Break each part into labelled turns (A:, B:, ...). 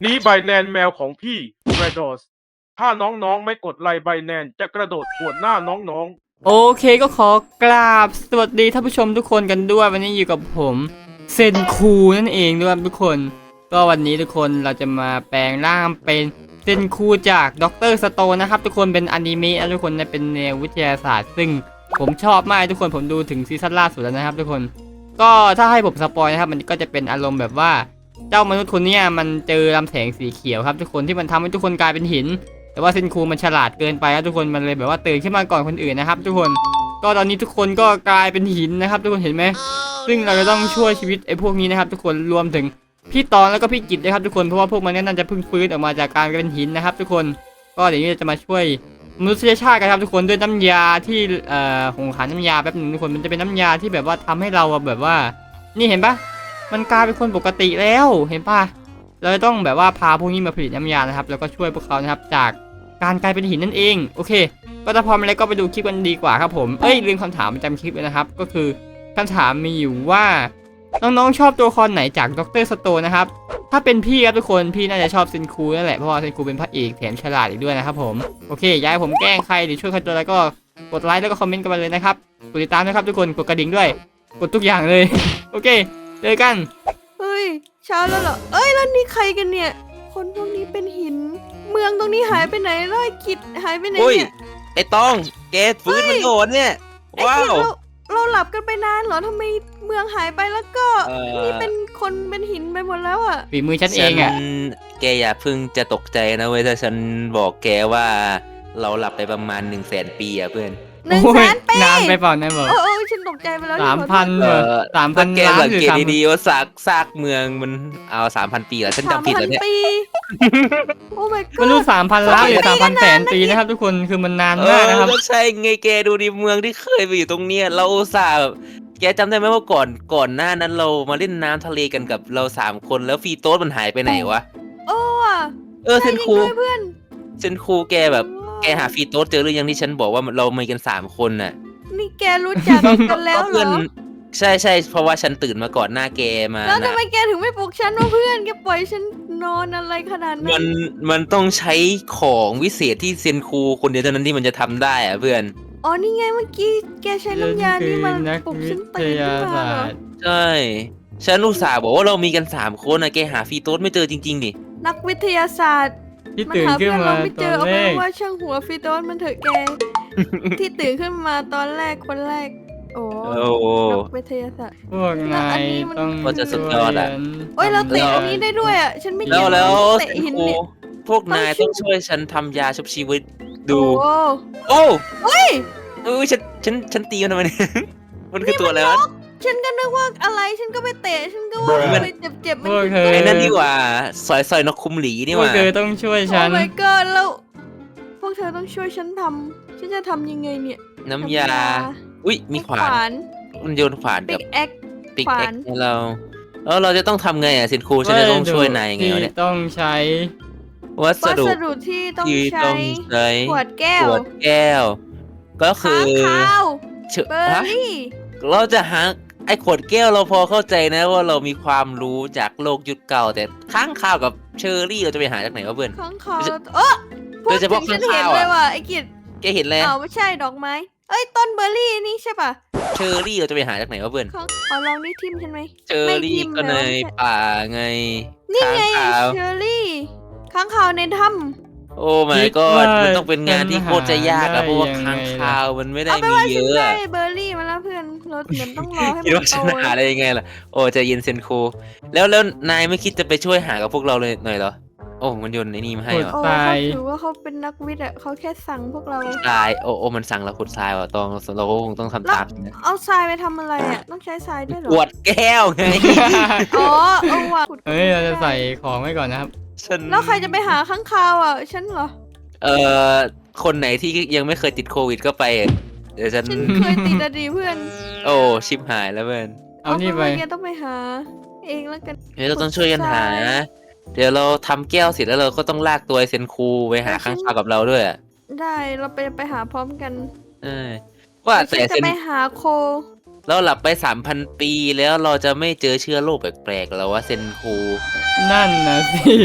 A: นี้ไบแนนแมวของพี่แรดอสถ้าน้องๆไม่กดไลค์ไบแนนจะกระโดดขวนหน้าน้อง
B: โอเคก็ขอกราบสวัสดีท่านผู้ชมทุกคนกันด้วยวันนี้อยู่กับผมเซนคูนั่นเองด้วยทุกคนก็วันนี้ทุกคนเราจะมาแปลงร่างเป็นเซนคูจากด็อกเตอร์สโตนนะครับทุกคนเป็นอนิเมะนะทุกคนเป็นแนววิทยาศาสตร์ซึ่งผมชอบมากทุกคนผมดูถึงซีซั่นล่าสุดแล้วนะครับทุกคนก็ถ้าให้ผมสปอยนะครับมันก็จะเป็นอารมณ์แบบว่าเจ้ามนุษย์คนนี้มันเจอลำแสงสีเขียวครับทุกคนที่มันทำให้ทุกคนกลายเป็นหินแต่ว่าเซนคูมันฉลาดเกินไปครับทุกคนมันเลยแบบว่าตื่นขึ้นมาก่อนคนอื่นนะครับทุกคนก็ตอนนี้ทุกคนก็กลายเป็นหินนะครับทุกคนเห็นไหมซึ่งเราจะต้องช่วยชีวิตไอ้พวกนี้นะครับทุกคนรวมถึงพี่ตอนแล้วก็พี่กิจนะครับทุกคนเพราะว่าพวกมันน่าจะเพิ่งฟื้นออกมาจากการเป็นหินนะครับทุกคนก็เดี๋ยวนี้จะมาช่วยมนุษยชาติกันครับทุกคนด้วยน้ำยาที่ผมหาน้ำยาแป๊บนึงทุกคนมันจะเป็นน้ำยาที่แบบว่าทำให้เราแบบว่านี่เห็นปะมันกลายเป็นคนปกติแล้วเห็นปะเราจะต้องแบบว่าพาพวกนี้มาผลิตน้ำยานะครับแล้วก็ช่วยพวกเขานะครับจากการกลายเป็นหินนั่นเองโอเคก็ถ้าพร้อมแล้วก็ไปดูคลิปกันดีกว่าครับผมลืมคำถามประจำคลิปเลยนะครับก็คือคำถามมีอยู่ว่าน้องๆชอบตัวละครไหนจากด็อกเตอร์สโตนนะครับถ้าเป็นพี่ครับทุกคนพี่น่าจะชอบเซนคูนั่นแหละเพราะว่าเซนคูเป็นพระเอกแถมฉลาดอีกด้วยนะครับผมโอเคย้ายผมแกล้งใครหรือช่วยใครตัวอะไรก็กดไลค์แล้วก็คอมเมนต์กันมาเลยนะครับกดติดตามนะครับทุกคนกดกระดิ่งด้วยกดทุกอย่างเลย โอเคเจอกัน
C: เฮ้ยเช้าแล้วเหรอเอ้ยแล้วนี่ใครกันเนี่ย คนพวกนี้เป็นหิน เมืองตรงนี้หายไปไหนแล้วไอ้กิจหายไปไหน
D: อุ้ย
C: เนี่ย
D: ไอ้ต้องแกฟื้นมันโดนเนี่ย
C: ไอ้
D: ว้า
C: กิจ
D: ว
C: เราหลับกันไปนานเหรอทำไมเมืองหายไปแล้วก็ นี่เป็นคนเป็นหินไปหมดแล้วอ่ะ
B: ฝีมือฉันเองอ่ะ
D: แกอย่าเพิ่งจะตกใจนะเว้ยถ้าฉันบอกแกว่าเราหลับไปประมาณ100,000 ปีอะเพื่อน
C: 100,000 ปี
B: นานไปเปล่านายบอก
C: โอ้ฉันตกใจไปแล้ว
B: 3,000
D: เออ
B: 3,000
D: แก
B: ล้าน
D: สัง
B: หรือ
D: เกต
B: 3,000
D: ดีๆว่าซากเมืองมันเอา3,000 ปีเหรอฉันจำผิดแล้วเนี่ย
C: 3,000 ปี โอ้ my
B: ไม่รู้
C: god
B: 3,000 ล้านหรือ 3,000 แสนปีนะครับทุกคนคือมันนานมากนะครับ
D: ก็ใช่ไงแกดูดิเมืองที่เคยไปอยู่ตรงเนี้ยเราอุตส่าห์แบบแกจำได้ไหมว่าก่อนหน้านั้นเรามาเล่นน้ำทะเลกันกับเรา3 คนแล้วฟรีโต้มันหายไปไหนวะ
C: โอ้อะ
D: เซนคู
C: ใช่จริงด้วยเพื่อน
D: เซนคูแกแบบแกหาฟรีโต้เจอหรือยังที่ฉันบอกว่าเรามีกัน3 คนน่ะ
C: นี่แกรู้จักกันแล้วเหร
D: เพื่อน
C: อ
D: ใช่เพราะว่าฉันตื่นมาก่อนหน้าแกมา
C: แล้วทำ
D: นะ
C: ไมแกถึงไม่ปลุกฉันว่าเพื่อนแกปล่อยฉันนอนอะไรขนาด
D: มั
C: นั้น น
D: มันต้องใช้ของวิเศษที่เซนคูคนเดียวเท่านั้นที่มันจะทำได้อะเพื่อน
C: อ๋อนี่ไงเมื่อกี้แกใช้น้ำยานี่มา
B: นัก
C: ปลุก
B: วิ
C: ฉัน
B: ท
C: ตื่นขึ้
B: ยาน
C: มา
B: ศา
C: เหรอ
B: สตร์
D: ใช่ฉันอุตส่าห์บอกว่าเรามีกัน3 คนนะแกหาฟรีโต้ไม่เจอจริงๆดิ
C: นักวิทยาศาสตร์
B: ที่
C: มัน
B: ตื่น
C: หา
B: ขึ้
C: เพื่
B: น
C: อน
B: มา
C: เราไม่
B: ต
C: เจ
B: อ
C: อน เอา
B: แร
C: เป็น
B: ก
C: ว่าช่างหัวฟิโตสมันเถอะแก ที่ตื่นขึ้นมาตอนแรกคนแรก โอ้
D: โอ้โห
C: นักวิทยาศาสตร์
B: พวกนายต้อง
D: ก็จะสุดยอดอะ
C: โอ้ยเราเตะอันนี้ได้ด้วยอ่ะฉันไม่
D: แล้ว
C: เตะ
D: เซน
C: หิน
D: คู
C: เนี่ย
D: พวกนายต้องช่วยฉันทำยาชุบชีวิตดู
C: โอ้
D: โอ้
C: เฮ้ย
D: ฉันตีมันทำไมเนี่ย มันคือตัวอะไรวะ
C: ฉันก็นึกว่าอะไรฉันก็ไปเตะฉันก็ว่า
D: มัน
C: ไปเจ็บๆ
B: พวกเธอ
D: ไอ้นั่นดีกว่าสอยนกคุมหลีนี่
B: พ
D: ห
B: วก
D: ว่า
B: เธอต้องช่วย
C: โอ้
B: ฉัน
C: my god แล้วพวกเธอต้องช่วยฉันทำฉันจะทำยังไงเนี่ย
D: น้ำยา อุ้ยมีขวาน มันโยนขวาน
C: ปิ
D: กับ
C: กแอค
D: ปิก
C: ขวา
D: แอ็
C: น
D: กให้เราแล้วเราจะต้องทำไงอ่ะสินครูฉันจะต้องช่วยนายยังไงวะเนี่ย
B: ที่ต้องใช้
D: วัส
C: วั
D: ดุ
C: สดุที่ต้อง
D: ที่
C: ใช้
D: ต้องใช้
C: ขวดแก้
D: ข
C: ว
D: วดแก้ว ก็คือ
C: ค้างคาว
D: เชื่อ
C: เบอร์
D: ฮะ
C: รี่
D: เราจะหาไอ้ขวดแก้วเราพอเข้าใจนะว่าเรามีความรู้จากโลกยุคเก่า แต่ค้างคาวกับเชอร์รี่เราจะไปหาจากไหนวะเพื่อน
C: ค้างคาว
D: โดยเฉ
C: พูด
D: โดยเฉ
C: ถึ
D: พาะ
C: งฉัน
D: ค้าง
C: เห็น
D: คาว
C: เล
D: อะ
C: ยว่ะไอ้กิจ
D: แกเห็นแล้ว
C: อ้าวไม่ใช่ดอกไม้ เอ้ยต้นเบอร์รี่นี่ใช่ป่ะ
D: เชอร์รี่เราจะไปหาจากไหนวะเพื่อน
C: ค้างลองนี่ทิมฉันไหม
D: เชอร์รี่ก็ในป่าไง
C: นี่ไง
D: ค้างคาว
C: เชอร์รี่ค้างคาวในถ้
D: โอ้ my
B: คิด
D: god
B: ว่า
D: มันต้องเป็นงานที่โคตรจะยาก
B: ฉันหาได้
D: อะเพราะว่า
B: ยังไง
D: ค้างคาวมันไม่
C: ำ
D: ได้
C: เอาไป
D: มี
C: ว่า
D: เย
C: ฉัน
D: อะ
C: ได้
D: อะ
C: เบอร์รี่มาแล้วเพื่อนเราเหมือนต้องรอให้
D: คิด
C: มัน
D: ว่า
C: โต
D: ฉันหาได้ยังไงล่ะโอ้ใจเย็นเซนโคแล้วนายไม่คิดจะไปช่วยหากับพวกเราเลยหน่อยเหรอโอ้มันโยนไอ้นี่มาให้เหรอ
C: โอ้
B: ทราย
C: เขาถือว่าเขาเป็นนักวิทย์อ่ะเขาแค่สั่งพวกเรา
D: ทรายโอ้มันสั่งเราขุดทรายว่ะตองเราก็คงต้องทำตามนะ
C: เอาทรายไปทำอะไรอ่ะต้องใช้ทรายด้วยเหรอ
D: ขวดแก้วไง
C: อ๋อเอาว่ะขุด
B: เฮ้ยเราจะใส่ของไว้ก่อนนะครับ
D: ฉัน
C: แล้วใครจะไปหาข้างคาวอ่ะฉันเหรอ
D: เอ่อคนไหนที่ยังไม่เคยติดโควิดก็ไปเดี๋ยวฉัน
C: ฉันเคยติดอะดีเพื่อน
D: โอ้ชิบหายแล้วเพื่อน
B: เอานี่ไป
C: ป็ว่แกต้องไปหา เองแล้วกัน
D: เดี๋ยวเราต้องช่วยกันหา เดี๋ยวเราทำแก้วเสร็จแล้วเราก็ต้องลากตัวไอ้เซนคูไปหาข้างคาวกับเราด้วยอะ
C: ได้เราไปหาพร้อมกัน
D: เออว่าแต่
C: ฉัน
D: เซ
C: จะ
D: น
C: ไปหาโค
D: เราหลับไป 3,000 ปีแล้วเราจะไม่เจอเชื้อโรคแปลกๆแล้ววะเซนคู
B: นั่นนะสิ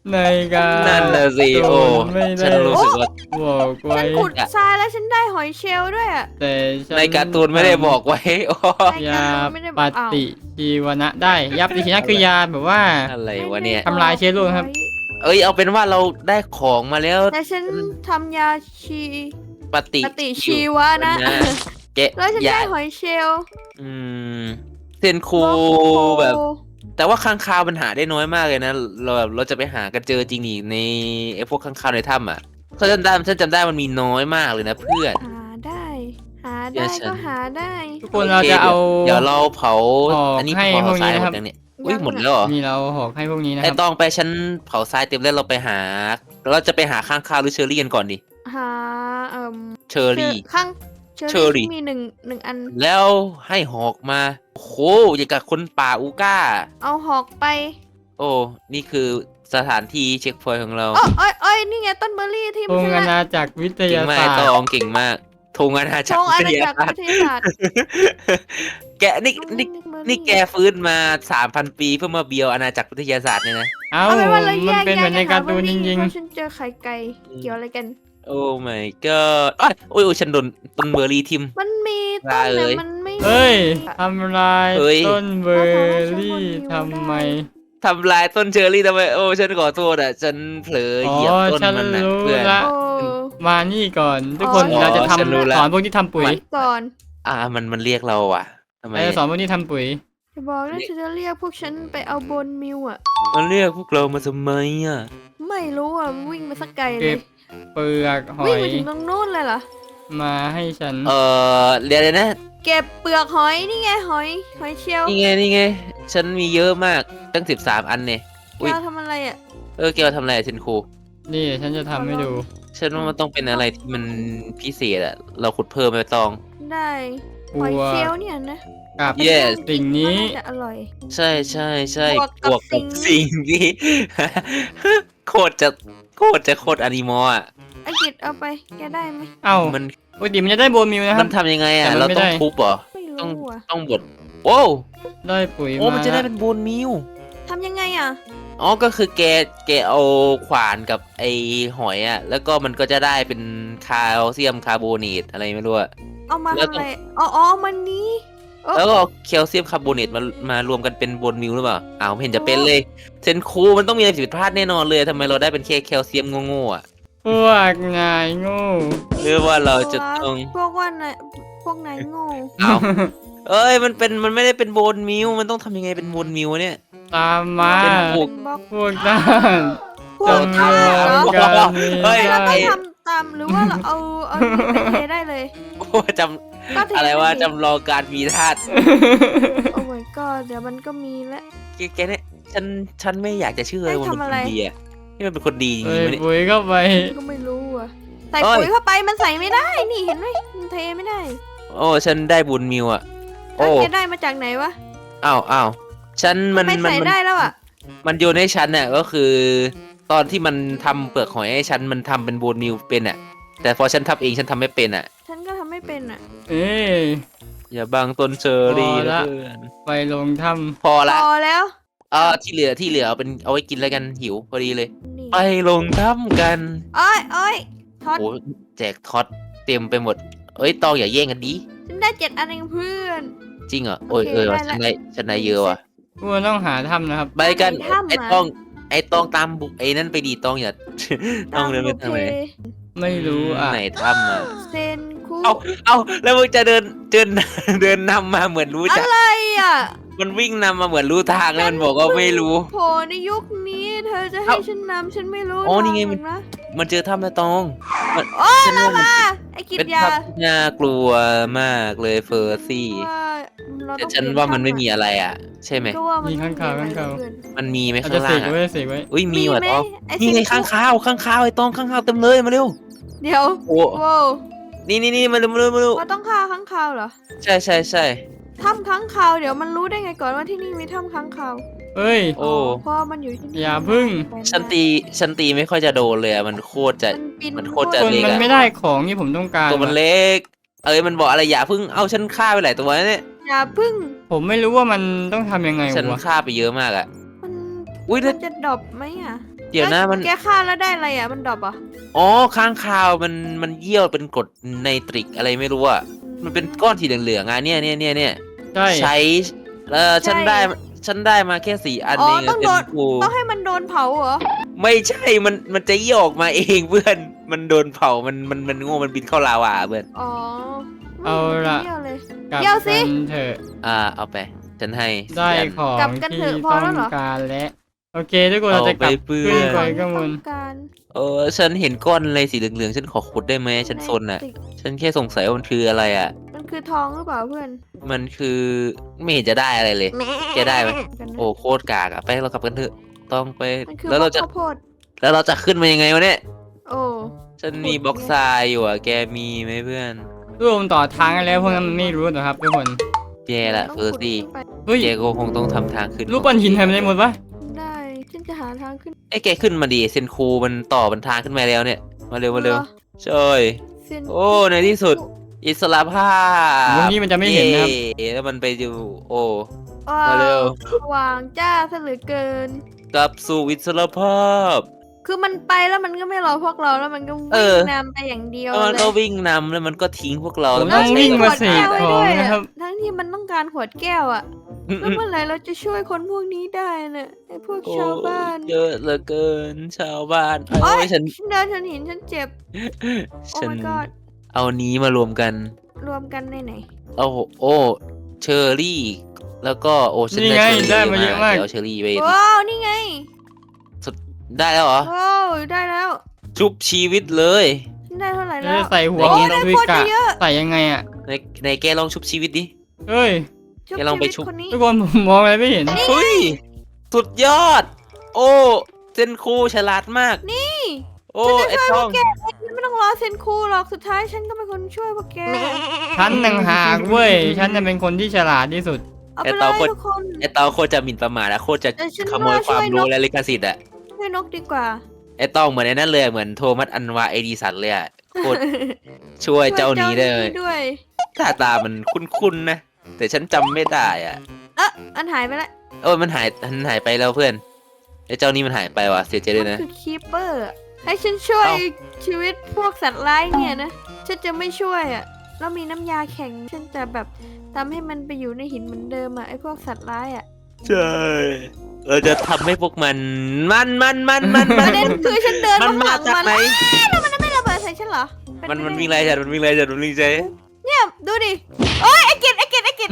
B: ในการ
D: นั่นน่ะสิโอ้
B: ไม่ได้
D: ฉันรู้สึกว่า
B: บอกไว้
C: ฉันขุดทรายแล้วฉันได้หอยเชลล์ด้วยอ่ะ
B: แต่ฉัน
D: ในการ์ตูนไม่ได้บอกไว้โอ้
B: ยาปฏิชีวนะได้ยาปฏิชีวนะคือยาแบบว่า
D: อะไรวะเนี่ย
B: ทำลายเชื้อโรคครับ
D: เอ้ยเอาเป็นว่าเราได้ของมาแล้ว
C: แต่ฉันทำยาชี
D: ปฏิ
C: ปฏิชีวะนะ
D: แกะ
C: แล้วฉัน
D: ยา
C: ได้หอยเชลล์
D: อืมเซนคู
C: โอ้โห
D: แบบ แต่ว่าค้างคาวมันหาได้น้อยมากเลยนะเราจะไปหากันเจอจริงนี่ในไอ้พวกค้างคาวในถ้ำอ่ะเขาจำได้มันมีน้อยมากเลยนะเพื่อน
C: หาได้ หา
D: เดี๋
C: ได้
D: ยวฉัน
C: ก็หาได้
B: ทุกคนเราจะเอา
D: เดี๋ยวเราเผา
B: หอก
D: อันนี้
B: ให้
D: เผา
B: พวกนี้
D: ทราย
B: นะ
D: ห
B: ค
D: ม
B: รับ
D: ดยังเนี่ยอุ้ยหมดแล้วเหรอ
B: นี่เราหอกให้พวกนี้นะค
D: ไอ้
B: รับ
D: ตองไปฉันเผาทรายเต็มแล้วเราไปหาเราจะไปหาค้างคาวหรือเชอรี่กันก่อนดิ
C: หา
D: เชอรี่
C: ข้าง
D: เชอรี่
C: มีหนึ่งอัน
D: แล้วให้หอกมาโอ้โหอย่างกับคนป่าอูก้า
C: เอาหอกไป
D: โอ้นี่คือสถานที่เช็คพอยต์ของเรา
C: อ้อยนี่ไงต้นเบอร์รี่ที่
B: ธ
C: มัน
B: ง
C: ช
B: อา
C: นะ
B: ณาจักรวิท
D: เก่ง
B: ยาม
D: าก
B: ศาสต
D: ต
B: ร์
D: องเก่งมากธงอาณา
C: ธ
D: จักรง
C: อา
D: วิ
C: ณา
D: ทยา
C: จักร
D: ศาสต
C: วิ
D: ร์
C: ทยาศาสตร์
D: แกนี่แกฟื้นมา 3,000 ปีเพื่อมาเบียวอาณาจักรวิทยาศาสตร์เนี่ยนะ
B: เอ้า
C: เอาเป็นว่าเราแย
B: มัน
C: ก
B: เป็นเหมือนในการ์ตูนจริง
C: เพราะฉันเจอไข่ไก่เกี่ยวอะไรกัน
D: โอ้ my god อ้ายโอ้ยฉันโดนต้นเบอร์รี่ทิม
C: มันมีต้น
D: ได้เล
C: แต่
D: ย
C: มันไม่
B: ๆเฮ้ยทำลาย
D: เฮ้ย
B: ต้นเบอร์รี่ทำไม
D: ทำลายต้นเชอร์รี่ทำไมโอ้ฉันขอโทษอ่ะฉันเผลอเหยียบต้น
B: ฉัน
D: มันนะ
B: รู้
D: เพื่อน
B: ละ
C: โอ้
B: มานี่ก่อน ทุกคน
C: อ๋อ
B: เราจะ
D: ฉันรู้
B: ทำ
D: ละ
B: สอนพวกที่ทำปุ๋ย
C: ก่อน
D: มันเรียกเราอ่ะทำไม
B: เราจะสอนพวกที่ทำปุ๋ย
C: จะบอกนะฉันจะเรียกพวกฉันไปเอาบนมิวอ่ะ
D: มันเรียกพวกเรามาทำไมอ่ะ
C: ไม่รู้อ่ะวิ่งไปสักไกลเล
B: เก็
C: ย
B: บเปลือกหอ
C: วิ่ง
B: ย
C: ไปถึงตรงนู้นเลยเหรอ
B: มาให้ฉัน
D: เรียกเลยนะ
C: เก็บเปลือกหอยนี่ไงหอยเชลล์
D: นี่ไงฉันมีเยอะมากตั้ง13 อันเนี่ย อุ๊ย
C: แกทำอะไรอ่ะ
D: แกเอาทำอะไรอะเชนคู
B: นี่ฉันจะทำให้ดู
D: ฉันว่ามันต้องเป็นอะไรที่มันพิเศษอะเราขุดเพิ่มไปตอง
C: ได้
B: บั
C: หอยว เชลล์เนี่ยนะ
B: กับ
D: Yes
B: สิ่งนี้
C: มัาจะอร่อย
D: ใช่
C: บวกกับบ
D: วกกับ
C: สิ่ง
D: สิ่งที่ โคตรจะโคตรอนิมอลอ่ะ
C: ไอ้กิจเอาไปแกได้ไหม
B: เอ้า
D: มัน
B: ปกติมันจะได้โบนมิวนะค
D: มั
B: รับ
D: นทำยังไงอ่ะ
B: แต่มัน
D: เรา
B: ไม่
D: ต้อง
B: ได้
D: ทุบเหรอ
C: ไม่
D: ต้อง
C: รู้อ่ะ
D: ต้องบดโอ้
B: ได้ปุ๋ย
D: โอ้มันจะได้
B: ละ
D: เป็นโบนมิว
C: ทำยังไงอ่ะ
D: อ๋อก็คือแกเอาขวานกับไอหอยอ่ะแล้วก็มันก็จะได้เป็นแคลเซียมคาร์โบเนตอะไรไม่รู้อะ
C: เอามา
D: แล้ว
C: ทำ
D: ต้
C: อะ
D: อง
C: ไรอ๋อมันนี้โอ้
D: แล้วก็เอาแคลเซียมคาร์โบเนตมารวมกันเป็นโบนมิวหรือเปล่าอ้าวไม่เห็นจะเป็นเลยเซนคูมันต้องมีอะไรผิดพลาดแน่นอนเลยทำไมเราได้เป็นแค่แคลเซียมโง่ๆอ่ะ
B: พวกนายโง่
D: หรือว่าเราจะต้อง
C: พวกว่านายพวกนายโง่
D: เอา เอ้ยมันไม่ได้เป็นโบนมิวมันต้องทำยังไงเป็นโบนมิวเนี่ย
B: ตามมา
D: เป็นพวก
C: บล็อก
B: พวกท่าน
C: พวก
B: จำ
C: ท่า
B: เริญ
C: เหรอ
B: การมี
D: เฮ้ย
C: เราต้
B: ได้
C: องทำตามหรือว่าเราเอานี่ไปเทได้เลย
D: โอ้จ
C: ก็เท
D: ำอะไรว่า
C: ด้ดิ
D: จำลองการมีธาตุ
C: โอ้ my god เดี๋ยวมันก็มีแล้ว
D: แกเนี่ยฉันไม่อยากจะเชื่อเลย
C: ให้
D: ว่ามัน
C: ทำ
D: เป็น
C: อะไร
D: คนดีอะนี่มันเป็นคนดีจริ
B: เฮ้ย
D: งๆวะเนี่ย
B: ปุ๋ยเข้าไป
C: ก็ไม่รู้อ่ะใส่
D: เอ้ย
C: ปุ๋ยเข้าไปมันใส่ไม่ได้นี่เห็นไหมมันเทไม่ได้
D: โอ้ฉันได้บุญมิวอะ
C: แล้ว
D: โอ้
C: แกได้มาจากไหนวะ
D: อ้าวฉันมัน
C: ไม่ใส่ได้แล้วอ่ะ
D: มันโยนให้ฉันเนี่ยก็คือ ตอนที่มันทำเปลือกหอยให้ฉันมันทำเป็นบุญมิวเป็นอะแต่พอฉันทำเองฉันทำไม่เป็นอะ
C: ฉันก็ทำไม่เป็นอ่ะ
B: เอ้ย
D: อย่าบังต้นเชอรี่
B: พอละ
D: นะเพื่อน
B: ไปลงถ้
D: พอละ
C: พอแล้ว
D: ที่เหลือเอาไว้กินแล้วกันหิวพอดีเลย
C: นี่
D: ไปลงถ้ำกัน
C: อ้อยท็อต
D: โอ้แจกท็อตเต็มไปหมด เอ้ยตองอย่าแย่งกันดิ
C: ฉันได้7 อันเองเพื่อน
D: จริงเหรอโอ้ย
C: โอเค
D: ว่ะ
C: ได้
D: ฉันได้เยอะว่ะ
B: ำพวกต้องหาถ้ำนะครับ
D: ไปกัน
C: ถ้ำ
D: ไอ้
C: อะ
D: ตองตามบุกไอ้นั่นไปดีตองอย่า ต้องเดินไปทางไหน
B: ไม่รู้อ่ะ
D: ไหนถ้ำอ่ะ
C: เซนคุ
D: เอาแล้วมึงจะเดินนำมาเหมือนรู้จัก
C: อะไรอ่ะ
D: มันวิ่งนำมาเหมือนรู้ทางแล้วมันบอกว่าไม่รู้
C: โผล่ในยุคนี้เธอจะให้ฉันนำฉันไม่รู้
D: โอ้นี่ไง
C: ทาหรอกนะ
D: มันเจอถ้ำแล้วตอง
C: โอ้
D: ฉันว่ามัน
C: ไอ้กิ
D: เป็น
C: จยา
D: ถ้ำที่น่ากลัวมากเลยเฟอร์ซี่
C: ว่าเรา
D: แต่
C: ต้อง
D: ฉันว่ามันไม่มีอะไรอ่ะ ใช่ไหม
C: ก็ว่ามัน
B: มีข้างคาว
C: ไม่
B: ข้าง
C: มี
B: คาว
C: อะไรเกิน
D: มันมีไหม
B: อาจ
D: ข้า
B: จะ
D: ง
B: เส
D: ล่าก ง
B: ไว้
D: อ่ะ
B: เสกไว้
D: อุ้ยมีว่ะ
C: ไห
D: ตอง
C: ไอ้
D: นี่ไง
C: เซ
D: ข้าง
C: คุ
D: คาวไอ้ตองข้างคาวเต็มเลยมาเร็ว
C: เดี๋ยว
D: โอ้
C: โว้ว
D: นี่มาเร็ว
C: ว่าต้องฆ่าค้างคาวเหรอ
D: ใช่
C: ถ้ำค้างคาวเดี๋ยวมันรู้ได้ไงก่อนว่าที่นี่มีถ้ำค้างคาว
B: เอ้ย
D: โอ้
C: เพราะมันอยู่ที่นี่
B: อย่าพึ่ง
D: ฉันตีไม่ค่อยจะโดนเลยอะมันโคตรจะ มันโคตรจะ
B: คน
D: เล็ก
B: มัน
D: อะ
B: ไม่ได้ของที่ผมต้องการ
D: ตัวมันเล็ก มันบอกอะไรอย่าเพิ่งเอาฉันฆ่าไปหลายตัวเนี่ย
C: อย่าพึ่ง
B: ผมไม่รู้ว่ามันต้องทำยังไง
D: ฉัน
B: วะ
D: ฆ่าไปเยอะมากอะ
C: มัน
D: อุ้ย
C: มันจะดรอปไหมอ่ะ
D: เดี๋ยวนะมัน
C: แกฆ่าแล้วได้อะไรอ่ะมันดรอปอ่ะ
D: อ๋อค้างคาวมันเยี่ยวเป็นกรดไนตริกอะไรไม่รู้อะมันเป็นก้อนสีเหลืองๆอ่ะเนี่ย
B: ใช่
D: ใช้ฉันได้มาแค่4 อัน
C: อ๋อ
D: เอง
C: ต้อง
D: เซ
C: โด
D: น
C: น
D: คู
C: ต้องให้มันโดนเผาเหรอ
D: ไม่ใช่มันจะเยี่ยวออกมาเองเพื่อนมันโดนเผามันโง่มันบินเข้าลาวาเพื่อน
C: อ๋อ
B: เอาล่ะ
C: เยี่ยวเลย
B: กลับ
C: เดี๋ยวสิ
B: กันเถอะ
D: เอาไปฉันให้
B: ได้
D: 4 อัน
B: ของ
C: กลับกัน
B: ที่
C: เถอะพอ
B: ต้
C: แล้
B: อ
C: ว
B: ง
C: เหรอ
B: การแล้วโอเคทุกคนเราจะกลับ
D: เอาไปเพื่อน
B: ขึ้นไป
C: ของที่
B: ข้างบน
C: ต้องการ
D: ฉันเห็นก้อนอะไรสีเหลืองๆฉันขอขุดได้ไหมฉันซนอ่ะ
C: ติก
D: ฉันแค่สงสัยว่ามันคืออะไรอ่ะ
C: มันคือทองหรือเปล่าเพื่อน
D: มันคือไม่เห็นจะได้อะไรเลยแกได้ไหม
C: กันนะ
D: โอ้โคตรกากอ่ะไปเรากลับกันเถอะต้องไป
C: มันคือ
D: แล้วเราจะ
C: ข้าวโพด
D: ขึ้นมายังไงวะเนี่ย
C: โอ้
D: ฉันมีบล็อกทรายอยู่อ่ะแกมีไหมเพื่อน
B: รวมต่อทางกันแล้วพวกนั้นมันไม่รู้หรอกครับทุกคน
D: แย่ละ
C: ต้อง
D: เฟอร์
C: ขุด
D: ซี่
C: ขึ้นไป
B: เฮ้ย
D: แกก็คงต้องทำทางขึ้น
B: รูปปั้นหินทำอะไรหมดวะ
C: ได้ฉันจะหาทางขึ้น
D: ไอ้ยแกขึ้นมาดิเซนคูมันต่อบันทางขึ้นมาแล้วเนี่ยมาเร็ว
C: หรอ
D: ช่วย
C: เส้น
D: โอ้ในที่สุด อิสระภาพ
B: ตรงนี้มันจะไม่เห็นนะครับ
D: เย้แล้วมันไปอยู่โอ้
C: ว้า
D: มาเร็
C: ว
D: ว
C: สว่างจ้าซะเหลือเกิน
D: กลับสู่อิสระภาพ
C: คือมันไปแล้วมันก็ไม่รอพวกเราแล้วมันก็
D: เอ
C: วิ่
D: อ
C: งนำไปอย่างเดียว
D: แล้วมัน
C: เล
D: ก็
C: ย
D: วิ่งนำแล้วมันก็ทิ้งพวกเรา
B: ผม
D: แล้ว
B: ต้อง
D: น
B: วิ่งมา
C: ขวด
B: เสก
C: แก้วไว้
B: ของ
C: ด้วย
B: นะครับ
C: ทั้งที่มันต้องการขวดแก้วอะแล้วเมื่อไหร่เราจะช่วยคนพวกนี้ได้น่ะไอ้พวก
D: โอ้
C: ชาวบ้าน
D: เยอะเหลือเกินชาวบ้าน
C: โอ๊
D: โอ้
C: ย
D: ยฉัน
C: ฉันเดินฉันเห็นฉันเจ็บ โอ้
D: ฉัน
C: my god
D: เอานี้มารวมกัน
C: รวมกันในไหน
D: เอาโอ้เชอร์รี่ แล้วก็โอ้ฉัน
B: นี่
D: ได้
B: ไง
D: เชอร์รี่
B: ได้มาเยอะมาก
D: เดี๋ยวเชอร์รี่ไป
C: ว้าวนี่ไง
D: ได้แล้วเหรอ
C: ว้าวได้แล้ว
D: ชุบชีวิตเลย
C: ฉันได้เท่าไหร่
B: แล้
C: แล้ว ว
B: จะใส่หัว
C: โอ้
B: ของ
C: ได้
B: ทวิ
C: โคตร
B: กะ
C: เยอะ
B: ใส่ยังไงอ่ะ
D: ในแกลองชุบชีวิตดิ
B: เฮ้ย
C: ชุบ
D: แกลองไป
C: ชีวิต
D: ชุบ
C: คนนี้
B: ทุกคนผมมองอะไรไม่เห็น
D: เฮ้ย สุดยอด โอ้เซนคูฉลาดมาก
C: นี่
D: โอ้ไอ้
C: ช่วย
D: ท้
C: พ
D: อ
C: ว
D: ง
C: กแกไม่ต้องรอเซนคูหรอกสุดท้ายฉันก็เป็นคนช่วยพวกแก
B: ฉันต่างหากเว้ย ฉันจะเป็นคนที่ฉลาดที่สุด
C: เอาไปเลยทุกคน
D: ไอ้ตองโคตรจะหมิ่นประมาทอะโคตรจะ
C: แต่ฉัน
D: ขโมย
C: ว่า
D: ความ
C: ช่วยน
D: รู้
C: ก
D: และลิขสิทธิ์อะ
C: ช่วยนกดีกว่า
D: ไอ้ตองเหมือนไอ้นั่นเลยเหมือนโทมัสอันวาเอดิสันเลยอะโคตรช่วยเจ้านี้ได้เลย
C: ด้วย
D: หน้าตามันคุ้นๆนะ แต่ฉันจำไม่ได้อ่ะ
C: อันหายไปแล้ว
D: โอ้ยมันหายไปแล้วเพื่อนไอ้เจ้านี่มันหายไปว่ะเสียใจด้วย
C: มัน
D: นะ
C: คือคีเปอร์ให้ฉันช่วย
D: เอ้า
C: ชีวิตพวกสัตว์ร้ายเนี่ยนะ ฉันจะไม่ช่วยอ่ะแล้วมีน้ำยาแข็ง ฉันจะแบบทำให้มันไปอยู่ในหินเหมือนเดิมอ่ะไอ้พวกสัตว์ร้ายอ่ะ
D: ใช่เราจะทำให้พวกมัน
C: ประเด็นคือฉันเดิน
D: มัน
C: มา
D: มา
C: ข้างหลัง
D: จาก
C: มัน
D: ไหน
C: แล้วมันไม่ระเบิดใส่ฉันเหรอเป็
D: มัน
C: ไป
D: มัน
C: ได้
D: วิ่งไล่ฉันมันวิ่งไล่ฉันมันวิ่งใจ
C: เนี่ยดูดิโอ้ยไอ้กิจ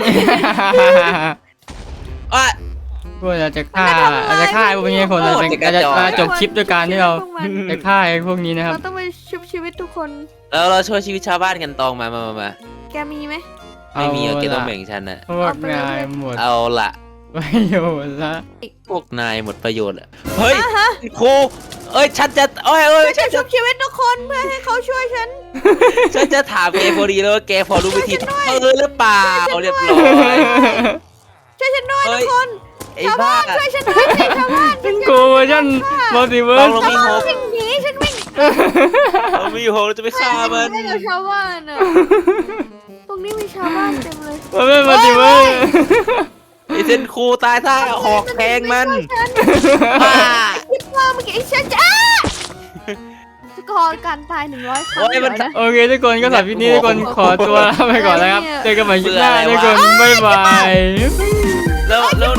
D: อ่ะ
B: พวกเราจะฆ่าไอ้พวกนี้คนเราจะจบคลิปด้วยการที่เรา
C: พวกมัน
B: จะฆ่าไอ้พวกนี้นะครับ
C: เราต้องไปชุบชีวิตทุกคน
D: แล้วเราช่วยชีวิตชาวบ้านกันตองมา
C: แกมีไหม
D: ไม่มีเอา
B: เอา
D: เกต้อง
B: ละ
D: แบ่งฉันอะ
B: พวกนายหมด
D: เอาละ
B: ประโยชน์ละ
D: พวกนายหมดประโยชน์ละเฮ้ยครูเอ้ยฉันจะเอ้ย
C: ฉันจะชุบชีวิตทุกคนเพื่อให้เขาช่วยฉัน
D: ฉันจะถามแกพอดีแล้วว่าแกพอรู้วิธีหรือเปล่าเรียบร้อย
C: ช่วยฉันด้วย
D: เฮ้
C: ทุ
D: ย
C: กคน
D: ไอ้
C: ชาว
D: บ้า
C: บ้านช่วยฉันด้วยสิชาวบ้านฉัน
B: โกเวอร์ชันมัลติเวิ
D: ต้
B: ร์
D: อง
B: ส
D: ลงมีหก
C: วิ่งหนีฉันวิ่ง
D: เรามีหกเราจะไปฆ่ามัน
C: ไม่กับชาวบ้านอ่ะตรงนี้มีชาวบ้านเต็มเลย
B: มันเป็นมัลติเวิร์ส
D: ไอ้เซนครูตายท่าหอกแทงมัน
C: คิดว่าเมื่อกี้ฉันจะสกอร์การตาย100 ครั้ง
D: โอ้ยมัน
C: เดี๋ยวนะ
B: โอเคทุกคนก็สำหรับคลิปนี้ทุกคนขอตัวลาไปก่อนนะครับ เจอกันใหม่คลิปหน้าทุกคนบ๊ายบาย
D: แล้ว